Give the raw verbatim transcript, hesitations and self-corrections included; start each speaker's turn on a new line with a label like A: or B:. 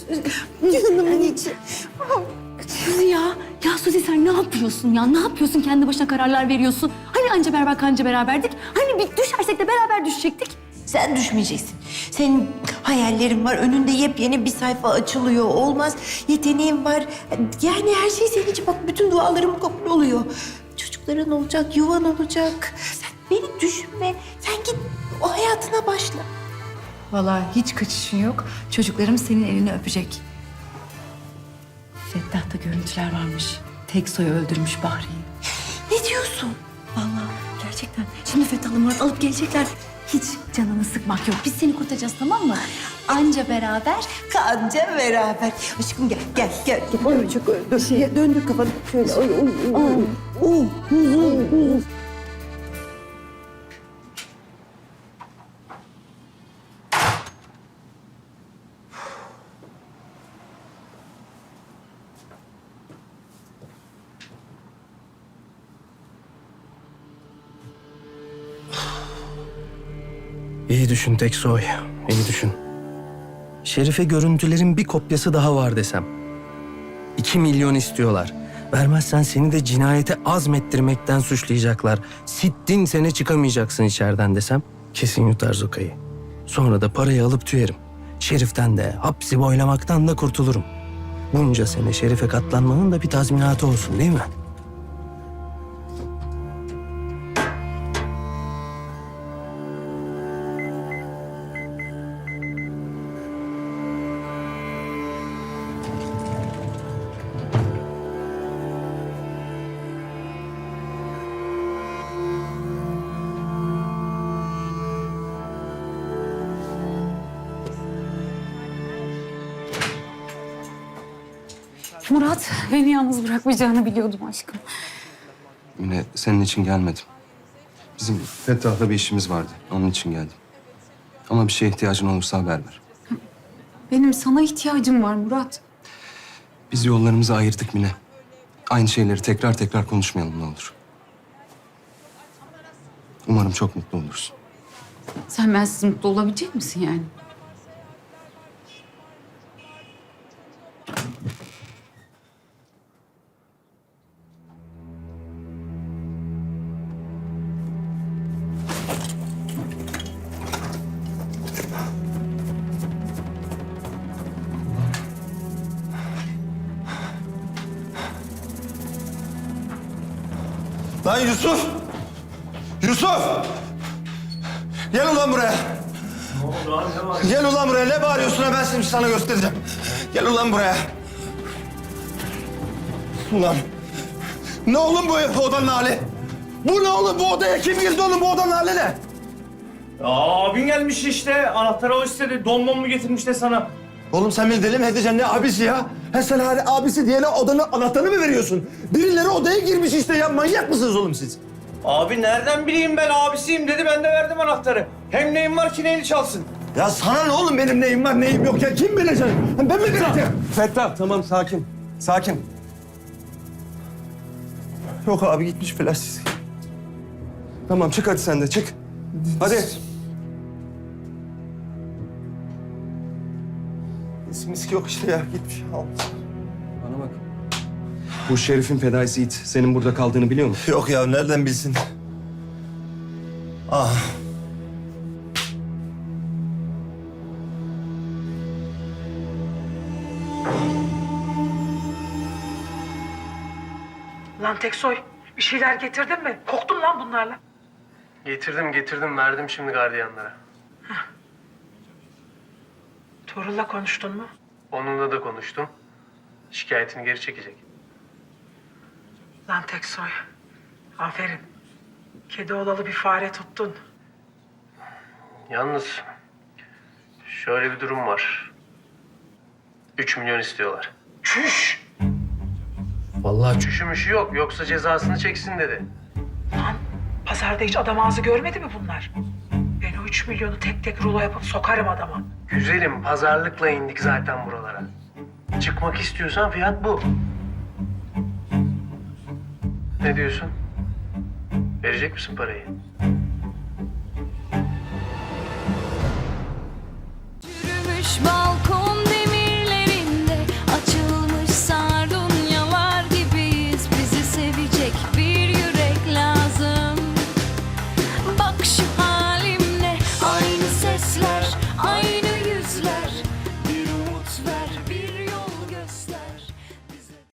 A: Canımın içi.
B: Suzi ya. Ya Suzi sen ne yapıyorsun ya? Ne yapıyorsun? Kendi başına kararlar veriyorsun. Hani anca beraber kanca beraberdik? Hani bir düşersek de beraber düşecektik?
A: Sen düşmeyeceksin. Senin hayallerin var. Önünde yepyeni bir sayfa açılıyor. Olmaz. Yeteneğin var. Yani her şey senin için. Bak bütün dualarım kabul oluyor. Çocukların olacak, yuvan olacak. Sen beni düşünme. Sen git o hayatına başla.
B: Vallahi hiç kaçışın yok. Çocuklarım senin elini öpecek. Fettah'ta görüntüler varmış. Tek soyu öldürmüş Bahri'yi.
A: Ne diyorsun?
B: Vallahi gerçekten. Şimdi Fettah'la Murat alıp gelecekler. Hiç canını sıkmak yok. Biz seni kurtaracağız, tamam mı? Anca beraber.
A: Kanca beraber. Aşkım gel, gel, gel. gel. Ay çok öldü. Şey, döndür kafanı. Şöyle. Ay, ay, ay, ay. Oh, oh, oh.
C: İyi düşün Teksoy, iyi düşün. Şerife görüntülerin bir kopyası daha var desem. İki milyon istiyorlar. Vermezsen seni de cinayete azmettirmekten suçlayacaklar. Sittin sene çıkamayacaksın içeriden desem. Kesin yutar Zoka'yı. Sonra da parayı alıp tüyerim. Şerif'ten de, hapsi boylamaktan da kurtulurum. Bunca sene Şerife katlanmanın da bir tazminatı olsun değil mi?
B: Murat, beni yalnız bırakmayacağını biliyordum aşkım.
D: Yine senin için gelmedim. Bizim Fettah'la bir işimiz vardı. Onun için geldim. Ama bir şeye ihtiyacın olursa haber ver.
B: Benim sana ihtiyacım var Murat.
D: Biz yollarımızı ayırdık Mine. Aynı şeyleri tekrar tekrar konuşmayalım ne olur. Umarım çok mutlu olursun.
B: Sen bensiz mutlu olabilecek misin yani?
E: Lan Yusuf! Yusuf! Gel ulan buraya. Gel ulan buraya. Ne bağırıyorsun ha? Ben şimdi sana göstereceğim. Gel ulan buraya. Ulan. Ne oğlum bu odanın hali? Bu ne oğlum? Bu odaya kim girdi oğlum? Bu odanın hali ne?
F: Ya abin gelmiş işte. Anahtarı o istedi. Don mu getirmiş de sana.
E: Oğlum sen beni deli mi edeceksin? Ne abisi ya? Ha sen hani abisi diyene odanın anahtarını mı veriyorsun? Birileri odaya girmiş işte ya. Manyak mısınız oğlum siz?
F: Abi nereden bileyim ben abisiyim dedi. Ben de verdim anahtarı. Hem neyim var ki neyini çalsın.
E: Ya sana ne oğlum benim neyim var neyim yok ya? Kim bilecek? Ben mi bileceğim?
D: Fettah tamam sakin. Sakin.
E: Yok abi gitmiş flash.
D: Tamam çık hadi sen de çık. Hadi.
E: Miski yok işte ya gitmiş. Al.
D: Bana bak. Bu Şerif'in fedaisi it. Senin burada kaldığını biliyor mu?
E: Yok ya nereden bilsin? Ah.
G: Lan Teksoy, bir şeyler getirdin mi? Korktum lan bunlarla.
F: Getirdim getirdim. Verdim şimdi gardiyanlara.
G: Tuğrul'la konuştun mu?
F: Onunla da konuştum. Şikayetini geri çekecek.
G: Lan Teksoy, aferin. Kedi olalı bir fare tuttun.
F: Yalnız şöyle bir durum var. Üç milyon istiyorlar.
G: Çüş!
C: Vallahi
F: Üşümüşü yok. Yoksa cezasını çeksin dedi.
G: Lan pazarda hiç adam ağzı görmedi mi bunlar? Ben o üç milyonu tek tek rulo yapıp sokarım adama.
F: Güzelim pazarlıkla indik zaten buralara. Çıkmak istiyorsan fiyat bu. Ne diyorsun? Verecek misin parayı?
H: Yürümüş bal